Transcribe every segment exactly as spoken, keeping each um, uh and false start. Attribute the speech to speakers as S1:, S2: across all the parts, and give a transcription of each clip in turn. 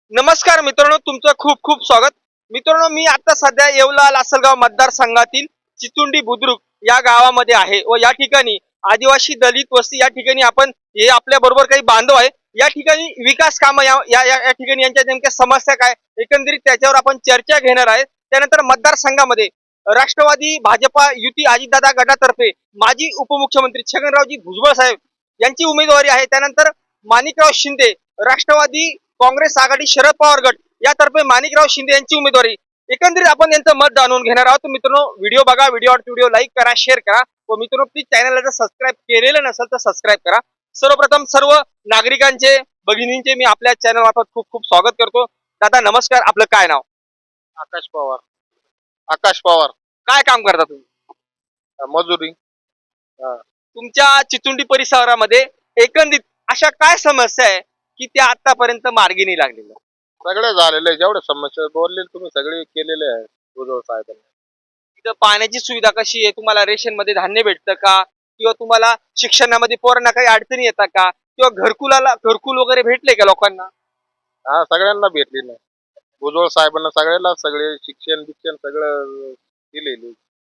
S1: नमस्कार मित्रांनो, तुमचं खूप खूप स्वागत. मित्रांनो, मी आता सध्या येवला लासलगाव मतदारसंघातील चिचुंडी बुद्रुक या गावामध्ये आहे व या ठिकाणी आदिवासी दलित वस्ती या ठिकाणी आपण हे आपल्या बरोबर काही बांधव आहे. या ठिकाणी विकास कामं या या या ठिकाणी यांच्या नेमक्या समस्या काय एकंदरीत त्याच्यावर आपण चर्चा घेणार आहे. त्यानंतर मतदारसंघामध्ये राष्ट्रवादी भाजपा युती अजितदादा गटातर्फे माजी उपमुख्यमंत्री छगनरावजी भुजबळ साहेब यांची उमेदवारी आहे. त्यानंतर माणिकराव शिंदे राष्ट्रवादी काँग्रेस आघाडी शरद पवार गट यातर्फे माणिकराव शिंदे यांची उमेदवारी. एकंदरीत आपण यांचं मत जाणून घेणार आहोत. मित्रांनो, व्हिडिओ बघा, व्हिडिओ व्हिडिओ लाईक करा, शेअर करा व मित्रांनो प्लीज चॅनलला जर सबस्क्राईब केलेलं नसेल तर सबस्क्राईब करा. सर्वप्रथम सर्व नागरिकांचे भगिनींचे मी आपल्या चॅनल मार्फत खूप खूप स्वागत करतो. दादा नमस्कार, आपलं काय नाव?
S2: आकाश पवार. आकाश पवार.
S1: काय काम करता तुम्ही?
S2: मजुरी.
S1: तुमच्या चिचुंडी परिसरामध्ये एकंदरीत अशा काय समस्या आहे की त्या आतापर्यंत मार्गी नाही लागलेल्या?
S2: सगळे झालेले जेवढे समस्या बोलले तुम्ही सगळे केलेले आहे भुजबळ साहेबांनी.
S1: तिथं पाण्याची सुविधा कशी आहे? तुम्हाला रेशन मध्ये धान्य भेटतं का? किंवा तुम्हाला शिक्षणामध्ये पोरांना काही अडचणी येतात का? किंवा घरकुलाला घरकुल वगैरे भेटले का लोकांना?
S2: हा, सगळ्यांना भेटली ना भुजबळ साहेबांना, सगळ्याला सगळे शिक्षण बिक्षण सगळं दिलेले.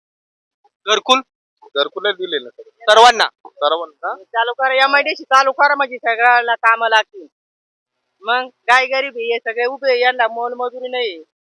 S1: घरकुल
S2: घरकुले दिले ना सगळे
S1: सर्वांना?
S2: सर्वांना.
S3: चालू करा एमआयडीसी चालू करा म्हणजे सगळ्याला कामं लागतील. मग काय गरीब हे सगळे उभे, यांना मोलमजुरी नाही.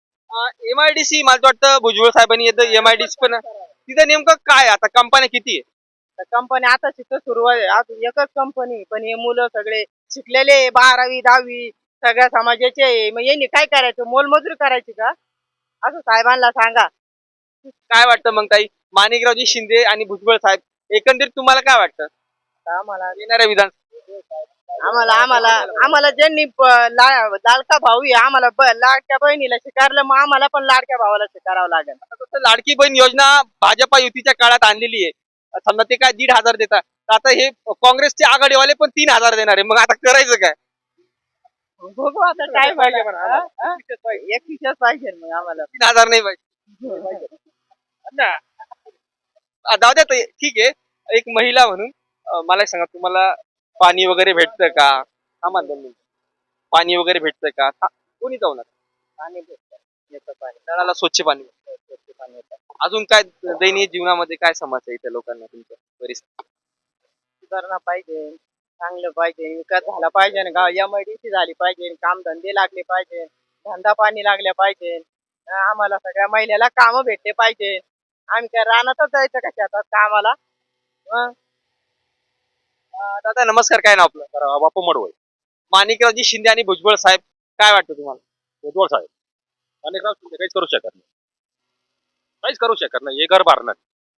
S1: एमआयडीसी मला वाटतं भुजबळ साहेबांनी येतं एमआयडीसी पण तिथं नेमकं काय आता कंपन्या किती आहे?
S3: कंपनी आता तिथं सुरू आहे, अजून एकच कंपनी, पण हे मुलं सगळे शिकलेले, बारावी दहावी सगळ्या समाजाचे आहे. मग यांनी काय करायचं? मोलमजुरी करायची का? असं साहेबांना सांगा.
S1: काय वाटतं मग ताई, माणिकरावजी शिंदे आणि भुजबळ साहेब एकंदरीत तुम्हाला काय वाटतं
S3: आता आम्हाला
S1: येणाऱ्या विधान?
S3: आम्हाला आम्हाला आम्हाला ज्यांनी प- ला- लाडका भाऊ आहे, आम्हाला ब- लाडक्या बहिणीला शिकारलं, मग आम्हाला पण लाडक्या भावाला शिकारावं लागेल.
S1: आता तसं लाडकी बहीण योजना भाजपा युतीच्या काळात आणलेली आहे. समजा ते काय दीड हजार देतात, तर आता हे काँग्रेसचे आघाडीवाले पण तीन हजार देणार आहे. मग आता करायचं काय?
S3: बघू आता काय
S1: पाहिजे
S3: पाहिजे
S1: पण आम्हाला.
S3: एकवीसच पाहिजे मग आम्हाला.
S1: तीन हजार नाही पाहिजे ना. आ, जाऊ द्या ताई, ठीक आहे. एक महिला म्हणून अं, मला एक सांगा, तुम्हाला पाणी वगैरे भेटतं का? हा मान दोन मिनिटं. पाणी वगैरे भेटतं का? हा, कोणी जाऊ नका.
S3: पाणी भेटतं, येतं पाणी.
S1: नळाला स्वच्छ पाणी भेटतं.
S3: स्वच्छ पाणी येतं.
S1: अजून काय दैनंदिन जीवनामध्ये काय समस्या आहे इथे लोकांना तुमच्या परिसरात?
S3: सुधारणा पाहिजे, चांगलं पाहिजे, विकास झाला पाहिजे, आणि गाव एमआयडीसी झाली पाहिजे, काम धंदे लागले पाहिजे, धंदा पाणी लागले पाहिजे. अं, आम्हाला सगळ्या महिलेला कामं भेटले पाहिजे. आम्ही काय रानातच जायचं का शेतात कामाला? मग
S1: अं, दादा नमस्कार, काय नाव आपलं?
S2: तर बापू मडवळ.
S1: माणिकरावजी शिंदे आणि भुजबळ साहेब, काय वाटतं तुम्हाला?
S2: भुजबळ साहेब आणि राव शिंदे काहीच करू शकत नाही, काहीच करू शकत नाही. हे घर भरणार.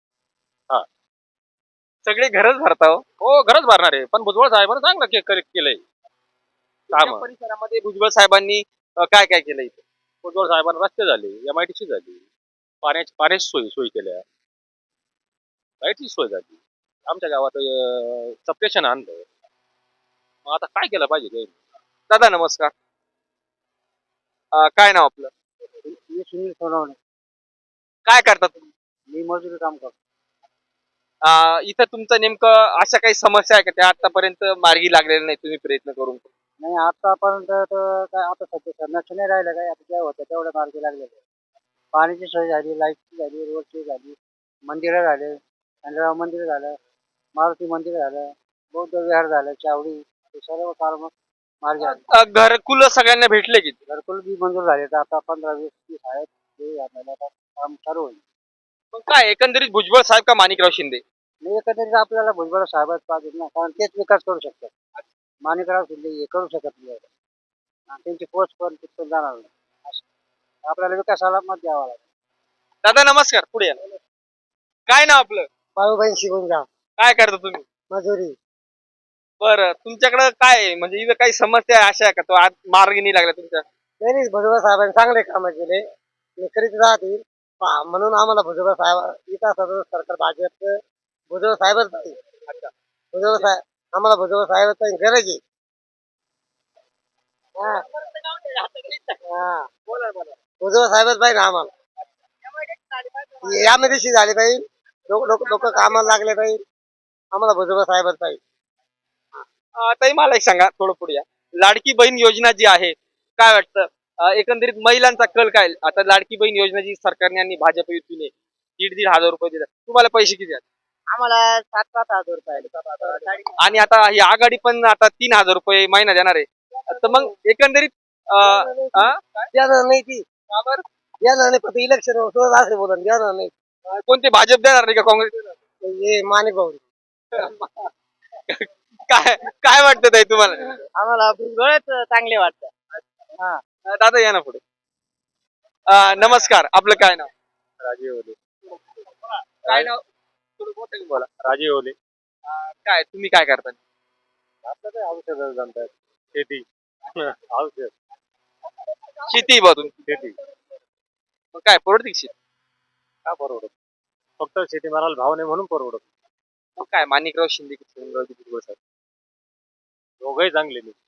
S1: सगळे घरच भरता हो.
S2: हो, घरच भरणार आहे, पण भुजबळ साहेबांनी चांगलं के- के- केलंय
S1: तुमच्या
S2: काम.
S1: परिसरामध्ये भुजबळ साहेबांनी अं, काय काय केलं इथे?
S2: भुजबळ साहेबांना रस्ते झाले, एमआयटीसी झाली, पाण्याची पाण्याची सोयी सोयी केल्या, लाईटची सोय झाली, आमच्या गावात सबस्टेशन आणलं. मग आता काय केलं पाहिजे ते?
S1: दादा नमस्कार, अं, काय नाव आपलं?
S3: मी सुनील सोनवणे,
S1: काय करता तुम्ही?
S3: मी मजुरी काम करतो.
S1: अं, इथं तुमचं नेमकं अशा काही समस्या आहे का त्या आतापर्यंत मार्गी लागलेल्या नाही तुम्ही प्रयत्न करून?
S3: नाही आतापर्यंत तर काय आता सध्या करण्याचं नाही राहिलं, काय आता काय होतं तेवढ्या मार्गी लागलेलं. पाण्याची सोय झाली, लाईटची झाली, रोडची झाली, मंदिरं झाले, खंडराव मंदिर झालं, मारुती मंदिर झालं, बौद्ध विहार झालं, चावडी, हे सर्व काम मार्गी आले.
S1: अं, घरकुल सगळ्यांना भेटले की?
S3: घरकुल बी मंजूर झाले, तर आता पंधरा वीस तीस आहेत, ते आपल्याला आता काम चालू होईल.
S1: मग काय एकंदरीत भुजबळ साहेब का माणिकराव शिंदे?
S3: नाही, एकंदरीत आपल्याला भुजबळ साहेबच पाहिजे ना, कारण तेच विकास करू शकतात. माणिकराव शिंदे हे करू शकत नाही एवढं. आणि त्यांची पोस्ट पण तिथून जाणार नाही. असं. आपल्याला विकासाला मत द्यावा लागेल.
S1: दादा नमस्कार, पुढे या. काय नाव आपलं?
S3: बाळूबाई शिकून जा,
S1: काय करता तुम्ही?
S3: मजुरी.
S1: बरं, तुमच्याकडे काय आहे? म्हणजे इथं काही समस्या आहे अशा आहे का तो आज मार्गी नाही लागला तुमच्या?
S3: नाही, भुजबळ साहेबांनी चांगले काम केले, ते करीत राहतील. पहा, म्हणून आम्हाला भुजबळ साहेब विकासाचं सरकार भाजपचं भुजबळ साहेबच पाहिजे. भुजबळ साहेब आम्हाला भुजबळ साहेबांची गरज आहे. हा. हा. भुजबळ साहेबच पाहिजे आम्हाला. यामध्ये झाली पाहिजे, लोक लोक लोक कामाला लागले पाहिजे, आम्हाला भुजबळ साहेबच पाहिजे.
S1: अं, ताई मला एक सांगा, थोडं पुढे या. लाडकी बहीण योजना जी आहे काय वाटतं अं, एकंदरीत महिलांचा कल काय आता लाडकी बहीण योजना जी सरकारने आणि भाजप युतीने दीड दीड हजार रुपये दिले तुम्हाला पैसे किती आहेत?
S3: आम्हाला सात सात हजार रुपये आले. सात हजार.
S1: आणि आता ही आघाडी पण आता तीन हजार रुपये महिना देणार आहे तर मग एकंदरीत अं, अं,
S3: देणार नाही ती
S1: का बरं?
S3: देणार नाही फक्त इलेक्शन असे बोलत देणार नाही
S1: कोणते भाजप देणार नाही का काँग्रेस देणार?
S3: हे माने भाऊ
S1: काय काय वाटतं ताई तुम्हाला
S3: आम्हाला भुजबळच चांगले वाटतं.
S1: अं, दादा या ना पुढे अं, नमस्कार आपलं काय नाव
S2: राजे ओले
S1: काय नाव थोडं मोठ्याने बोला
S2: राजे ओले
S1: अं, काय तुम्ही काय करता
S2: आपलं काय औषध जमतात शेती औषध
S1: शेती बा तुम्ही
S2: शेती
S1: मग काय परवडते का शेती
S2: का परवडत फक्त शेतीमालाला भाव नाही म्हणून परवडत
S1: मग काय माणिकराव शिंदे की शिवराजजी भुजबळ साहेब
S2: दोघंही चांगले नाही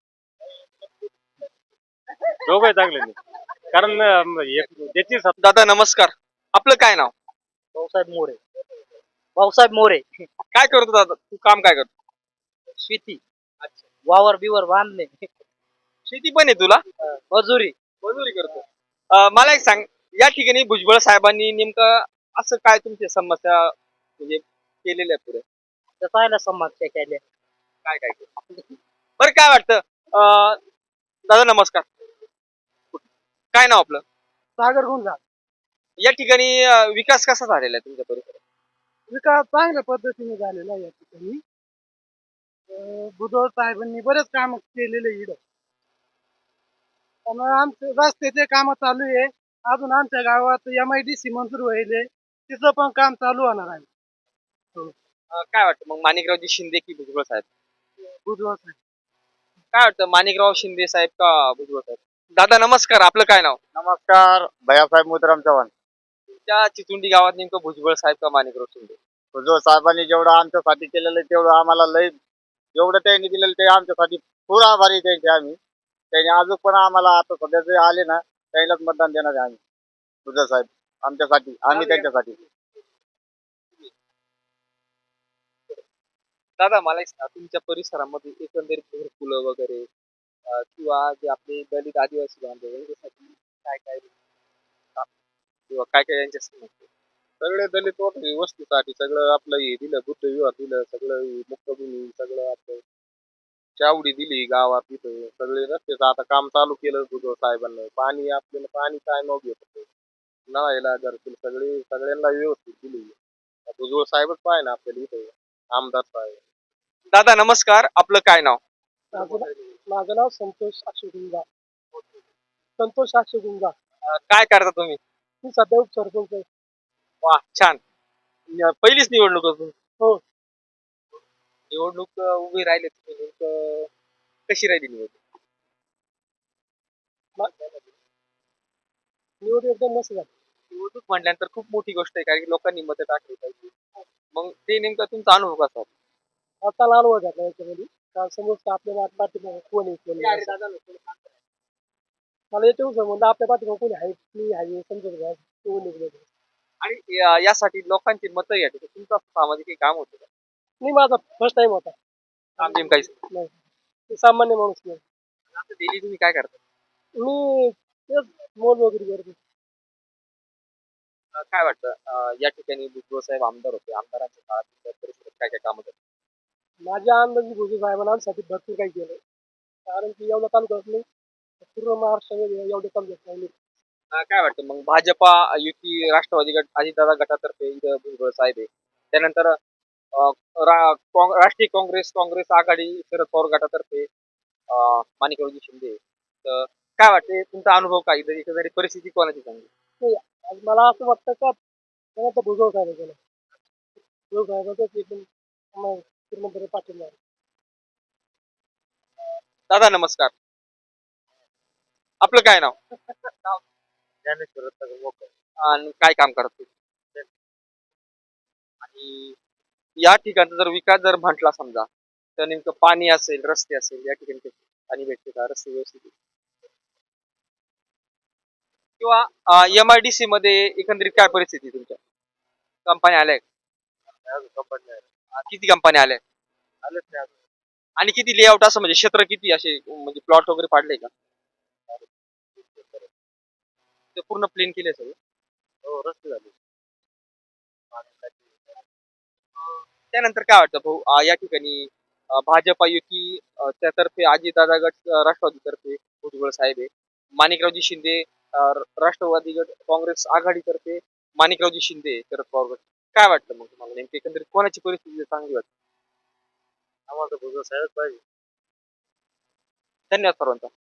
S2: दोघंही चांगले नाही कारण अं, एक- ज्याची सत्ता
S1: दादा नमस्कार आपलं काय नाव
S3: भाऊसाहेब मोरे भाऊसाहेब मोरे
S1: काय करतो दादा तू काम काय करतो
S3: शेती वावर बिवर बांधणे
S1: शेती पण आहे तुला
S3: मजुरी
S1: मजुरी करतो अं, मला एक सांग या ठिकाणी भुजबळ साहेबांनी नेमकं असं काय तुमच्या समस्या म्हणजे केलेल्या पुढे
S3: तसायला समस्या केल्या
S1: काय काय केलं? बरं काय वाटतं अं, दादा नमस्कार काय नाव आपलं
S3: सागर गुंजा
S1: या ठिकाणी अं, विकास कसा झालेला आहे तुमच्या परिसरात
S3: विकास चांगल्या पद्धतीने झालेला आहे या ठिकाणी अं, भुजबळ साहेबांनी बरेच काम केलेले इकडं त्यामुळे आमचे रस्त्याचे काम चालू आहे अजून आमच्या गावात एम आय डी सी मंजूर व्हायले तिचं पण काम चालू होणार आहे
S1: अं, काय वाटतं मग माणिकरावजी शिंदे की भुजबळ साहेब
S3: भुजबळ साहेब
S1: काय वाटतं माणिकराव शिंदे साहेब का भुजबळ साहेब दादा नमस्कार आपलं काय नाव
S2: नमस्कार भैयासाहेब मुद्राम चव्हाण
S1: त्या चिचुंडी गावात नेमकं भुजबळ साहेब का माणिकराव शिंदे
S2: जो साहेबांनी जेवढं आमच्यासाठी केलेलं आहे तेवढं आम्हाला लय जेवढं त्यांनी दिलेलं ते आमच्यासाठी पूर आभारी आहे त्यांचे आम्ही त्यांनी अजून पण आम्हाला आता सध्या जे आले ना त्यालाच मतदान देणार आहे आम्ही तुझं साहेब आमच्यासाठी आम्ही त्यांच्यासाठी
S1: दादा मला एक सांगा, तुमच्या परिसरामध्ये एकंदरीत घरकुलं वगैरे अं, किंवा जे आपले दलित आदिवासी बांधव यांच्यासाठी काय काय काम किंवा काय काय यांच्या समस्या
S2: सगळे दलित वगैरे वस्तूसाठी सगळं आपलं हे दिलं बुद्ध विवाह दिलं सगळं मुक्तभूमी सगळं आपलं चावडी दिली गावात तिथं सगळे रस्त्याचं आता काम चालू केलं भुजबळ साहेबांना पाणी आपल्याला पाणी काय नव्हतं येत नळायला घरकुल सगळे सगळ्यांना व्यवस्थित दिली भुजबळ साहेबच पाहिजे ना आपल्याला इथं आमदार साहेब
S1: दादा नमस्कार आपलं काय नाव
S3: माझं नाव संतोष अक्षुगुंजा संतोष अक्षुगुंजा
S1: अं, काय करता तुम्ही
S3: मी सध्या उपसरपंच आहे
S1: वा छान न- पहिलीच निवडणूक असून
S3: हो
S1: निवडणूक अं, उभी राहिले तुम्ही नेमकं कशी राहिली निवडणूक
S3: निवड एकदम मस्त झाली
S1: निवडणूक म्हटल्यानंतर खूप मोठी गोष्ट आहे कारण की लोकांनी मतं टाकली पाहिजे मग ते नेमका तुमचा अनुभव कसा होता?
S3: आता लाल वर घातला याच्यामध्ये कारण समोर आपल्याला पाठीमागे कोण आहे कोण नाही असं. मला येतो समजलं आपल्या पाठीमागे कोणी आहे मी आहे समजत घ्या कोण निघलं
S1: आणि या- यासाठी लोकांची मतं घ्यायची तर तुमचं असं सामाजिक काही काम होतं का?
S3: नाही माझा फर्स्ट टाइम होता
S1: काम बिम काहीच नाही.
S3: नाही मी सामान्य माणूस नाही
S1: आता डेली तुम्ही काय करता
S3: मी तेच मोल वगैरे करतो
S1: अं, काय वाटतं अं, या ठिकाणी भुजबळ साहेब आमदार होते आमदारांच्या काळात तुमच्या परिसरात काय काय काम होतं
S3: माझ्या अंदाजी भुजबळ साहेबांना आमच्यासाठी भरपूर काही केलं कारण की एवढं काम करत नाही पूर्ण महाराष्ट्रामध्ये एवढे काम घेत नाही
S1: अं, काय वाटतं मग भाजपा युती राष्ट्रवादी गट अजितदादा गटातर्फे इथं भुजबळ साहेब आहे त्यानंतर अं, रा- काँग- राष्ट्रीय काँग्रेस काँग्रेस आघाडी शरद पवार गटातर्फे अं, माणिकरावजी शिंदे आहे. तर काय वाटते तुमचा अनुभव काय इथं एकंदरीत परिस्थिती कोणाची चांगली
S3: नाही, आज मला असं वाटतं का त्याला तर भुजबळ साहेब केलं भुजबळ साहेबांचाच एकदम आम्हाला पूर्णपणे पाठिंबा आहे.
S1: दादा नमस्कार आपलं काय नाव
S2: ज्ञानेश्वर रत्नाकर
S1: आणि काय काम करत तुम्ही? आणि या ठिकाणचा जर विकास जर म्हटला समजा तर नेमकं पाणी असेल रस्ते असेल या ठिकाणी कसे पाणी भेटते का रस्ते व्यवस्थित आहेत? किंवा एम आय डी सी मध्ये एकंदरीत काय परिस्थिती आहे तुमच्या कंपन्या आल्या
S2: कंपनी
S1: किती कंपन्या आल्या
S2: आलेच नाही
S1: आणि किती लेआउट असं म्हणजे क्षेत्र किती असे म्हणजे प्लॉट वगैरे पाडले का ते पूर्ण प्लेन केले सगळे.
S2: हो रस्ते झाले.
S1: त्यानंतर काय वाटतं भाऊ अं, या ठिकाणी अं, भाजपा युती अं, त्यातर्फे अजितदादा गट अं, राष्ट्रवादीतर्फे भुजबळ साहेब आहे. माणिकरावजी शिंदे अं, राष्ट्रवादी गट काँग्रेस आघाडीतर्फे माणिकरावजी शिंदे शरद पवार गट. काय वाटतं मग तुम्हाला नेमकी एकंदरीत कोणाची परिस्थिती चांगली वाटते?
S2: आम्हाला तर भुजबळ साहेबच पाहिजे.
S1: धन्यवाद सर्वांचा.